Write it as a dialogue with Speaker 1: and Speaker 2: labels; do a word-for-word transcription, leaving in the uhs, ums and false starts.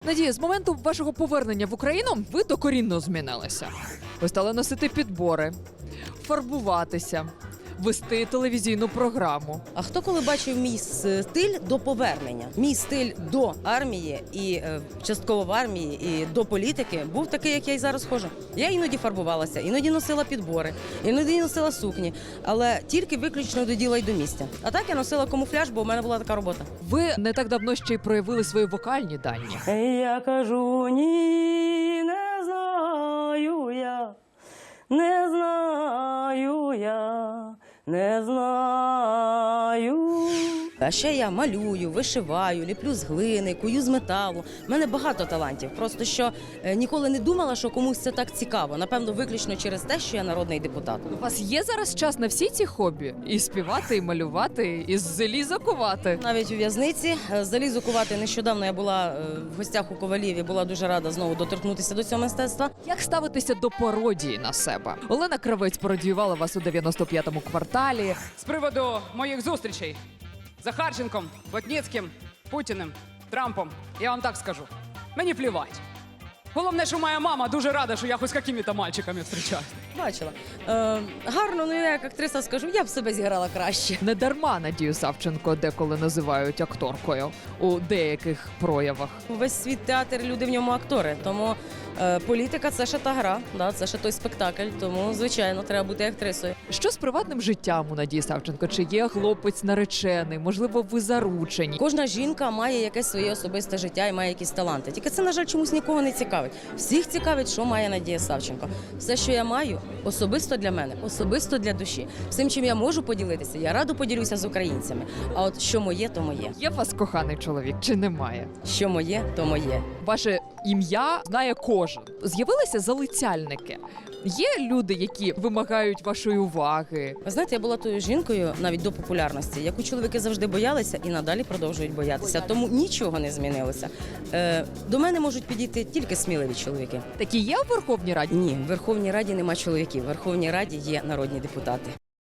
Speaker 1: Надія, з моменту вашого повернення в Україну ви докорінно змінилися. Ви стали носити підбори, фарбуватися, вести телевізійну програму.
Speaker 2: А хто коли бачив мій стиль до повернення? Мій стиль до армії і е, частково в армії, і до політики був такий, як я і зараз ходжу. Я іноді фарбувалася, іноді носила підбори, іноді носила сукні, але тільки виключно до діла й до місця. А так я носила камуфляж, бо в мене була така робота.
Speaker 1: Ви не так давно ще й проявили свої вокальні дані.
Speaker 2: Я кажу, ні, не знаю я, не знаю я, не знаю. А ще я малюю, вишиваю, ліплю з глини, кую з металу. У мене багато талантів. Просто що е, ніколи не думала, що комусь це так цікаво. Напевно, виключно через те, що я народний депутат.
Speaker 1: У вас є зараз час на всі ці хобі? І співати, і малювати, і з заліза кувати?
Speaker 2: Навіть у в'язниці е, залізу кувати. Нещодавно я була е, в гостях у Ковалів і була дуже рада знову доторкнутися до цього мистецтва.
Speaker 1: Як ставитися до пародії на себе? Олена Кравець пародіювала вас у дев'яносто п'ятому кварталі.
Speaker 3: З приводу моїх зустрічей з Захарченком, Плотніцьким, Путіним, Трампом, я вам так скажу, мені плівать. Головне, що моя мама дуже рада, що я хоч з якими-то мальчиками зустрічаюсь.
Speaker 2: Бачила. Е, гарно, ну я як актриса скажу, я б себе зіграла краще.
Speaker 1: Не дарма Надію Савченко деколи називають акторкою у деяких проявах.
Speaker 2: Весь світ театр, люди в ньому актори, тому е, політика – це ще та гра, да, це ще той спектакль, тому, звичайно, треба бути актрисою.
Speaker 1: Що з приватним життям у Надії Савченко? Чи є хлопець наречений? Можливо, ви заручені?
Speaker 2: Кожна жінка має якесь своє особисте життя і має якісь таланти. Тільки це, на жаль, чомусь нікого не цікавить. Всіх цікавить, що має Надія Савченко. Все, що я маю, особисто для мене, особисто для душі. Всім, чим я можу поділитися, я радо поділюся з українцями. А от що моє, то моє.
Speaker 1: Є у вас коханий чоловік чи немає?
Speaker 2: Що моє, то моє.
Speaker 1: Ваше ім'я знає кожен. З'явилися залицяльники. Є люди, які вимагають вашої уваги.
Speaker 2: Ви знаєте, я була тою жінкою навіть до популярності, яку чоловіки завжди боялися і надалі продовжують боятися. Тому нічого не змінилося. Е, до мене можуть підійти тільки сміливі чоловіки.
Speaker 1: Такі є у Верховній Раді?
Speaker 2: Ні, в Верховній Раді нема чоловіків. В Верховній Раді є народні депутати.